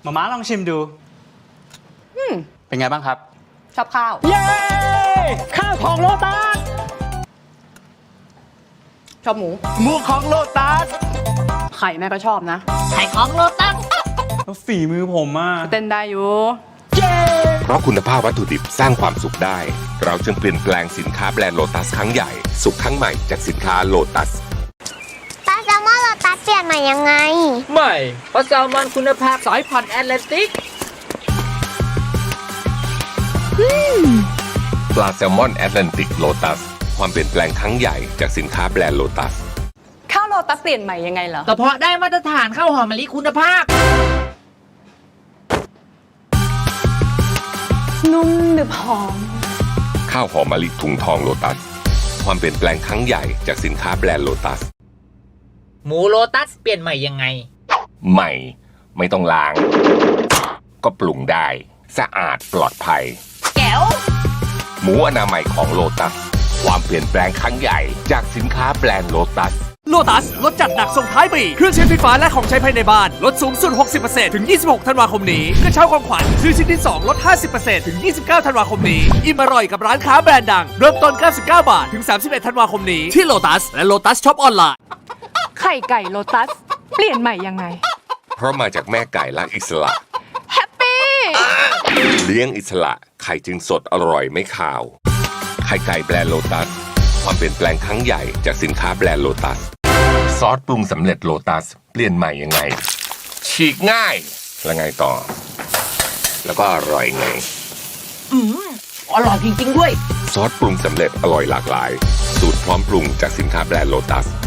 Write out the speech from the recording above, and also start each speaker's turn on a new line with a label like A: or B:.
A: มาม่าลองชิมดูเป็นไงบ้างครับ
B: ชอบข้าว
C: เย้ข้าวของโลตัส
B: ชอบหมู
C: หมูของโลตัส
B: ไข่แม่ก็ชอบนะ
D: ไข่ของโลตัส
A: แล้วฝีมือผมอ่ะ
B: เต้นได้อยู่
E: เพราะคุณภาพวัตถุดิบสร้างความสุขได้ เราจึงเปลี่ยนแปลงสินค้าแบรนด์โลตัสครั้งใหญ่ สุขครั้งใหม่จากสินค้าโลตัส
F: ปลาแซลมอนโลตัสเปลี่ยนใหม่ยังไง
D: ใหม่ปลาแซลมอนคุณภาพสายพันธุ์แอตแลนติก
E: ปลาแซลมอนแอตแลนติกโลตัสความเปลี่ยนแปลงครั้งใหญ่จากสินค้าแบรนด์โลตัส
B: ข้าวโลตัสเปลี่ยนใหม่ยังไงเหรอ
D: กระเพาะได้มาตรฐานข้าวหอมมะลิคุณภาพ
B: นุ่มหนึบหอม
E: ข้าวหอมมะลิถุงทองโลตัสความเปลี่ยนแปลงครั้งใหญ่จากสินค้าแบรนด์โลตัส
D: หมูโลตัสเปลี่ยนใหม่ยังไง
E: ใหม่ไม่ต้องล้าง ก็ปรุงได้สะอาดปลอดภัย
B: แก้ว
E: หมูอนามัยของโลตัสความเปลี่ยนแปลงครั้งใหญ่จากสินค้าแบรนด์โลตัส
C: โลตัสลดจัดหนักส่งท้ายปีเครื่องใช้ไฟฟ้าและของใช้ภายในบ้านลดสูงสุด 60% ถึง 26 ธันวาคมนี้กระเช้าของขวัญซื้อชิ้นที่ 2 ลด 50% ถึง 29 ธันวาคมนี้อิ่มอร่อยกับร้านค้าแบรนด์ดัง เริ่มต้น 99 บาท ถึง 31 ธันวาคมนี้ที่โลตัสและโลตัสช็อปออนไลน์
B: ไข่ไก่โลตัสเปลี่ยนใหม่ยังไง
E: เพราะมาจากแม่ไก่รักอิสระ
B: แฮปปี้
E: เลี้ยงอิสระไข่จึงสดอร่อยไม่ขาวไข่ไก่แบรนด์โลตัสความเปลี่ยนแปลงครั้งใหญ่จากสินค้าแบรนด์โลตัสซอสปรุงสำเร็จโลตัสเปลี่ยนใหม่ยังไง ฉีกง่ายแล้วไงต่อ แล้วก็อร่อยไง
D: อร่อยจริงๆด้วย
E: ซอสปรุงสำเร็จอร่อยหลากหลาย สูตรพร้อมปรุงจากสินค้าแบรนด์โลตัส